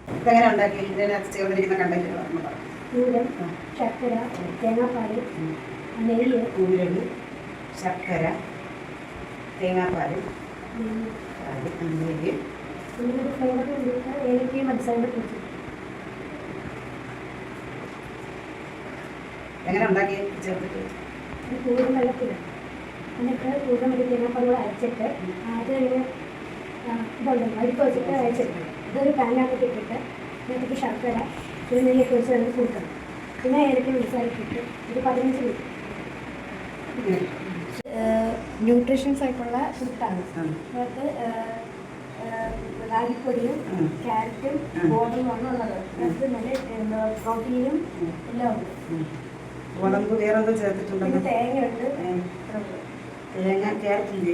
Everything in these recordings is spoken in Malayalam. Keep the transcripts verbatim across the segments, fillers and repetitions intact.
ഇതെങ്ങനെ ഉണ്ടാക്കി ഇതിനെ ചേർന്നിരിക്കുന്ന കണ്ടന്റുകൾ കൂരം, ശർക്കര, തേങ്ങാപ്പാൽ, നെയ്യ്, കൂരൽ, ശർക്കര, തേങ്ങാപ്പാൽ, നെയ്യ്, പിന്നെ ഫ്ലേവർ വേണ്ടിയിട്ട് ഏലക്കയും പഞ്ചസാരയും പൊടിച്ചു. എങ്ങനെ ഉണ്ടാക്കി ചേർത്തിട്ട് കൂരം വെള്ളത്തിലാണ്. എന്നിട്ട് കൂരം ഒരു തേങ്ങാപ്പാൽ കൂടെ അരച്ചിട്ട് അത് ഇങ്ങനെ ഇതുണ്ട് അടുപ്പ് വെച്ചിട്ട് അരച്ചിട്ട് ഇതൊരു പാനിനകത്ത് ഇട്ടിട്ട് അതിനകത്തേക്ക് ശർക്കര ഒരു നെയ്യൊക്കെ വെച്ച് അതിന് കൊടുക്കണം. പിന്നെ ഏലക്ക പഞ്ചസാരക്കിട്ട് ഒരു പതിനഞ്ച് മിനിറ്റ്. ന്യൂട്രീഷ്യൻസ് ആയിട്ടുള്ള ഫുഡാണ്. അതിനകത്ത് റാഗിപ്പൊടിയും ക്യാരറ്റും ഗോതമ്പുമാണ് ഉള്ളത്. അത് നല്ല പ്രോട്ടീനും എല്ലാം ഉണ്ട്. ഗോതമ്പ് വേറെ എന്തോ ചേർത്തിട്ടുണ്ടോ? പിന്നെ തേങ്ങ ഉണ്ട്. തേങ്ങ, ക്യാരറ്റിൻ്റെ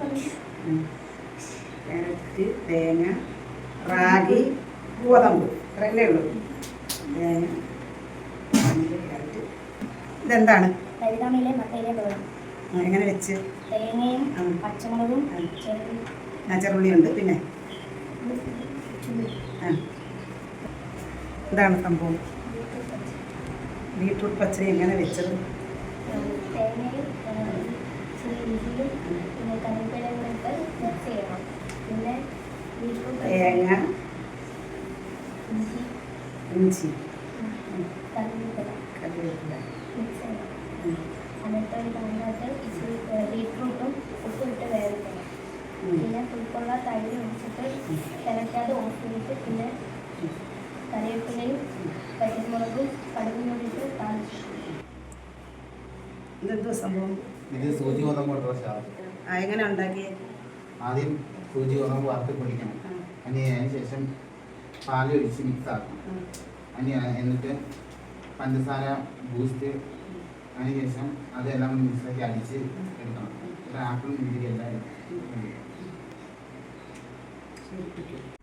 ക്യാരറ്റ്, തേങ്ങ, റാഗി, ഗോതമ്പ് ഇത്രയല്ലേ ഉള്ളൂ. തേങ്ങ, ക്യാരറ്റ്. ഇതെന്താണ്? തരിതാമയിലെ മട്ടയിലെ തോരൻ. എങ്ങനെ വെച്ച്? തേങ്ങയും പച്ചമുളകും ചെറുള്ളി ഉണ്ട്. പിന്നെ ഇതാണ് സംഭവം. ബീട്രൂട്ട് പച്ചടി എങ്ങനെ വെച്ചത്? തേങ്ങയും പിന്നെ കറിവേപ്പിലയും കൂടെ ഇട്ട് മിക്സ് ചെയ്യണം. പിന്നെ തേങ്ങ, ഇഞ്ചി ഇഞ്ചി കറിവേപ്പില കറിവേപ്പില മിക്സ് ചെയ്യണം. എന്നിട്ട് ഒരു പാനിനകത്ത് ഇച്ചിരി ബീട്രൂട്ടും ഉപ്പും ഇട്ട് വേവിക്കണം. പിന്നെ പുളിപ്പുള്ള തൈര് ഒഴിച്ചിട്ട് തിളയ്ക്കാതെ ഓഫ് ചെയ്തിട്ട് പിന്നെ കറിവേപ്പിലയും പച്ചമുളകും കടുകും കൂടിയിട്ട് താളിച്ചു. ഇതെന്തോ സംഭവം? ഇത് സൂചി ഗോതമ്പ് എങ്ങനെ ഉണ്ടാക്കി? ആദ്യം സൂചി ഗോതമ്പ് വറുത്ത് പൊടിക്കണം. അതിന് അതിന് ശേഷം പാല് ഒഴിച്ച് മിക്സ് ആക്കണം. അതിന് എന്നിട്ട് പഞ്ചസാര, ബൂസ്റ്റ്, അതിന് ശേഷം അതെല്ലാം മിക്സാക്കി അടിച്ച് എടുക്കണം. ഒരു ആപ്പിളും മുന്തിരി എല്ലാം